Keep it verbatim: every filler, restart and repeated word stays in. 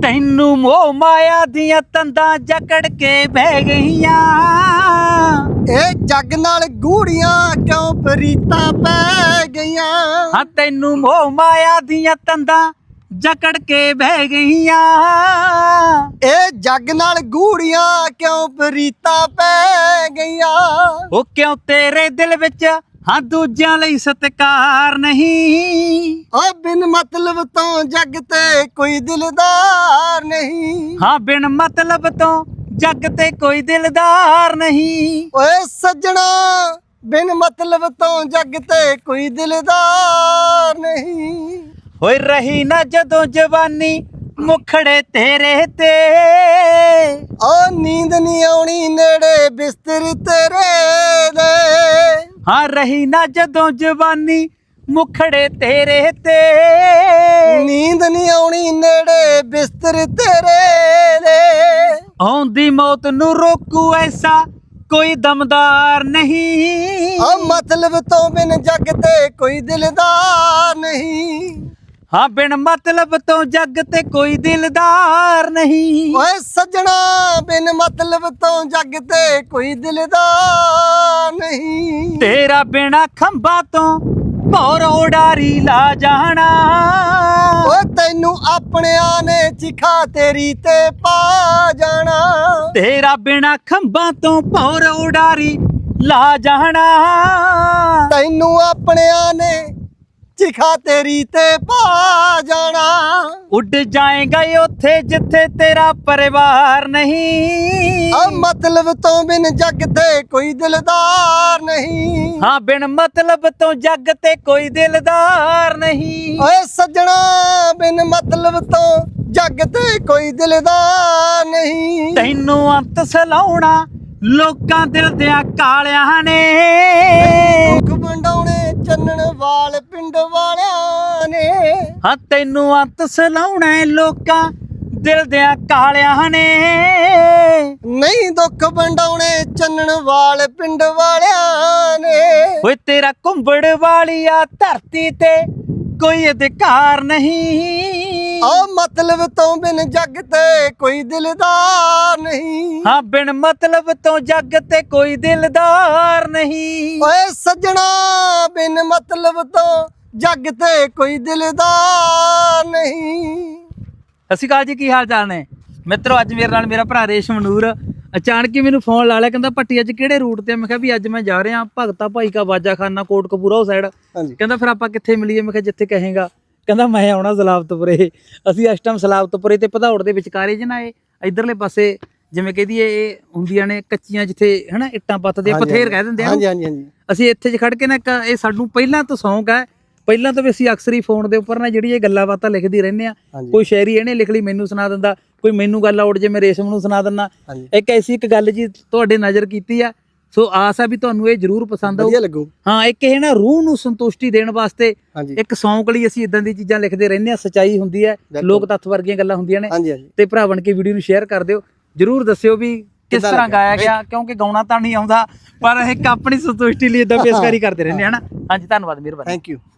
तैनू मोह माया दियां तंदां जकड़ के बह गईयां। ए जग नाल गूड़ियां क्यों प्रीतां पै गईयां। हाँ तैनू मोह माया दियां तंदां जकड़ के बह गईयां। ए जग नाल गूड़ियां क्यों प्रीतां पै गईयां। ओ क्यों तेरे दिल विच हाँ दूजियां लई सत्कार नहीं। आ बिन मतलब तो जग ते कोई दिलदार नहीं। हाँ बिन मतलब तो जग ते कोई दिलदार नहीं। ओए सज्जणा बिन मतलब तो जग ते कोई दिलदार नहीं। होए रही ना जदों जवानी मुखड़े तेरे ते। आ नींद नहीं आउणी नेड़े बिस्तर तेरे दे। हाँ रही ना जदों जवानी मुखड़े तेरे ते। नींद नहीं आउणी नेड़े बिस्तर तेरे दे। आउंदी मौत नू रोकू ऐसा कोई दमदार नहीं। आ मतलब तो बिन जग ते कोई दिलदार नहीं। हाँ बिन मतलब तो जग ते कोई दिलदार नहीं। ओए सज्जणा बिन मतलब तो जग ते कोई दिलदार नहीं। तेरा बिना खंभा तो भौर उडारी ला जाना। ओए तैनू अपनियां ने चिखा तेरी ते पा जाना। तेरा बिना खंभा तो भौर उडारी ला जाना। तैनू अपनियां ने चिखा तेरी ते पा जाना। उड़ जाएगा उथे जिथे तेरा परिवार नहीं। आ मतलब तो बिन जग ते कोई दिलदार नहीं। हाँ बिन मतलब तो जग ते कोई दिलदार नहीं। ओए सज्जणा बिन मतलब तो जग ते कोई दिलदार नहीं। तैनू अंत सलाउणा लोकां दिल दियां कालियां ने। दुख वंडाउने चन्नण वाल पिंड वालियां ने। हाँ तैनू अंत सलाउणा लोकां दिल दियां कालियां ने। नहीं दुख वंडाउने चन्नण वाल पिंड वालियां ने। ओए तेरा कुंबड़ वालिया धरती ते कोई अधिकार नहीं। आ मतलब तो बिन जग ते कोई दिलदार नहीं। हाँ बिन मतलब तो जग ते कोई दिलदार नहीं। ओए सज्जणा बिन मतलब तो जग ते कोई दिलदार नहीं। ਸਤਿ ਸ਼੍ਰੀ ਅਕਾਲ ਜੀ, ਕੀ ਹਾਲ ਚਾਲ ਨੇ ਮਿੱਤਰੋ। ਅੱਜ ਮੇਰੇ ਨਾਲ ਮੇਰਾ ਭਰਾ ਰੇਸ਼ਮ ਨੂਰ ਅਚਾਨਕ ਹੀ ਮੈਨੂੰ ਫੋਨ ਲਾ ਲਿਆ, ਕਹਿੰਦਾ ਭੱਟੀ ਅੱਜ ਕਿਹੜੇ ਰੂਟ ਤੇ। ਮੈਂ ਕਿਹਾ ਵੀ ਅੱਜ ਮੈਂ ਜਾ ਰਿਹਾ ਭਗਤਾ ਭਾਈ ਕਾ ਬਾਜਾ ਖਾਨਾ ਕੋਟਕਪੂਰਾ ਉਹ ਸਾਈਡ। ਕਹਿੰਦਾ ਫਿਰ ਆਪਾਂ ਕਿੱਥੇ ਮਿਲੀਏ। ਮੈਂ ਕਿਹਾ ਜਿੱਥੇ ਕਹੇਗਾ। ਕਹਿੰਦਾ ਮੈਂ ਆਉਣਾ ਸਲਾਬਤਪੁਰੇ। ਅਸੀਂ ਇਸ ਟਾਈਮ ਸਲਾਬਤਪੁਰੇ ਤੇ ਭਦੌੜ ਦੇ ਵਿਚਕਾਰੇ ਜ ਨਾ ਇਹ ਇਧਰਲੇ ਪਾਸੇ ਜਿਵੇਂ ਕਹਦੀ ਇਹ ਹੁੰਦੀਆਂ ਨੇ ਕੱਚੀਆਂ ਜਿੱਥੇ ਹਨਾ ਇੱਟਾਂ ਪੱਥਦੇ ਪਥੇਰ ਕਹਿ ਦਿੰਦੇ ਆ। ਹਾਂਜੀ ਹਾਂਜੀ ਹਾਂਜੀ। ਅਸੀਂ ਇੱਥੇ ਜ ਖੜ ਕੇ ਨਾ ਇਹ ਸਾਨੂੰ ਪਹਿਲਾਂ ਤੋਂ ਸ਼ੌਂਕ ਹੈ। ਪਹਿਲਾਂ ਤਾਂ ਵੀ ਅਸੀਂ ਅਕਸਰ ਹੀ ਫੋਨ ਦੇ ਉੱਪਰ ਨਾ ਜਿਹੜੀ ਇਹ ਗੱਲਾਂ ਬਾਤਾਂ ਲਿਖਦੀ ਰਹਿੰਦੇ ਆ। ਕੋਈ ਸ਼ਾਇਰੀ ਇਹਨੇ ਲਿਖ ਲਈ ਮੈਨੂੰ ਸੁਣਾ ਦਿੰਦਾ, ਕੋਈ ਮੈਨੂੰ ਗੱਲ ਆਉੜ ਜੇ ਮੈਂ ਰੇਸ਼ਮ ਨੂੰ ਸੁਣਾ ਦਿੰਦਾ। ਇੱਕ ਐਸੀ ਇੱਕ ਗੱਲ ਜੀ ਤੁਹਾਡੇ ਨਜ਼ਰ ਕੀਤੀ ਆ, ਸੋ ਆਸ ਆ ਵੀ ਤੁਹਾਨੂੰ ਇਹ ਜ਼ਰੂਰ ਪਸੰਦ ਆਊ। ਹਾਂ ਇੱਕ ਇਹ ਨਾ ਰੂਹ ਨੂੰ ਸੰਤੁਸ਼ਟੀ ਦੇਣ ਵਾਸਤੇ ਇੱਕ ਸ਼ੌਂਕ ਲਈ ਅਸੀਂ ਇਦਾਂ ਦੀ ਚੀਜ਼ਾਂ ਲਿਖਦੇ ਰਹਿੰਦੇ ਆ। ਸੱਚਾਈ ਹੁੰਦੀ ਹੈ, ਲੋਕ ਤੱਥ ਵਰਗੀਆਂ ਗੱਲਾਂ ਹੁੰਦੀਆਂ ਨੇ। ਤੇ ਭਰਾ ਬਣ ਕੇ ਵੀਡੀਓ ਨੂੰ ਸ਼ੇਅਰ ਕਰ ਦਿਓ, ਜ਼ਰੂਰ ਦੱਸਿਓ ਵੀ ਕਿਸ ਤਰ੍ਹਾਂ ਗਾਇਆ ਗਿਆ, ਕਿਉਂਕਿ ਗਾਉਣਾ ਤਾਂ ਨਹੀਂ ਆਉਂਦਾ ਪਰ ਇੱਕ ਆਪਣੀ ਸੰਤੁਸ਼ਟੀ ਲਈ ਇਦਾਂ ਪੇਸ਼ਕਾਰੀ ਕਰਦੇ ਰਹਿੰਦੇ ਹਨਾ। ਹਾਂਜੀ ਧੰਨਵਾਦ, ਮਿਹਰਬਾਨੀ, ਥੈਂਕ ਯੂ।